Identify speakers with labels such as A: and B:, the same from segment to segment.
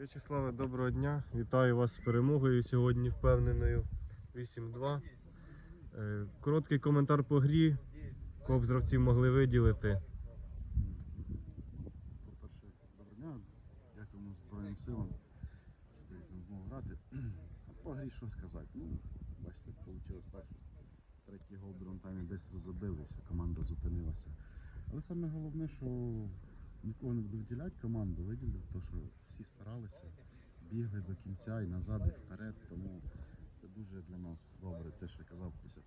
A: В'ячеславе, доброго дня. Вітаю вас з перемогою сьогодні впевненою 8-2. Короткий коментар по грі. Кого б з гравців могли виділити?
B: По-перше, доброго дня. Дякуємо Збройним силам, що дають нам змогу грати. А по грі що сказати? Бачите, вийшло так, що третій гол в другому таймі десь розбилися, команда зупинилася. Але саме головне, що нікого не буду виділяти команду, виділив, то що всі старалися, бігли до кінця і назад, і вперед, тому це дуже для нас добре, те, що я казав після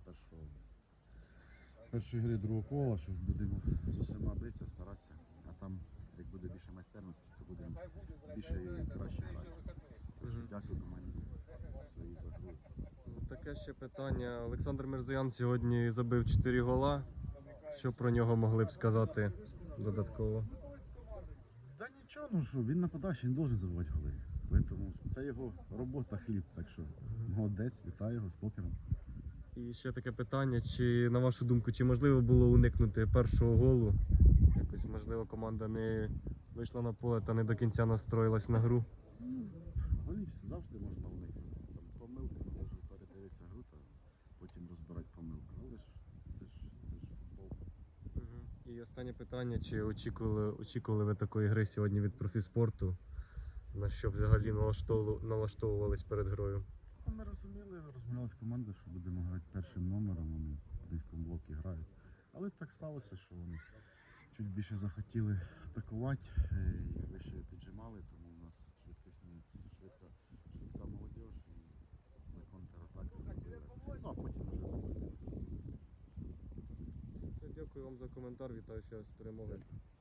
B: першої гри другого кола, що будемо з усіма битися, старатися, а там, як буде більше майстерності, то будемо більше і краще грати. Дякую команді своїй за гру.
A: Таке ще питання. Олександр Мирзоян сьогодні забив 4 гола. Що про нього могли б сказати додатково?
B: Та нічого, що він нападаючий, він має забивати голи. Тому це його робота, хліб, так що молодець, вітаю його з покером.
A: І ще таке питання, чи на вашу думку, чи можливо було уникнути першого голу? Якось, можливо, команда не вийшла на поле та не до кінця настроїлась на гру?
B: Голів завжди можна уникнути. Там помилки, може передивитися гру та потім розбирати помилку. Але ж це ж футбол.
A: І останнє питання, чи очікували ви такої гри сьогодні від профіспорту? На що взагалі налаштовувались перед грою?
B: Ми розмовляли з командою, що будемо грати першим номером, вони в низькому блокі грають. Але так сталося, що вони чуть більше захотіли атакувати і вище піджимали, тому у нас швидка молодь і на контратаку забили. Ну а потім вже зупинилися.
A: Все, дякую вам за коментар, вітаю ще раз з перемогою.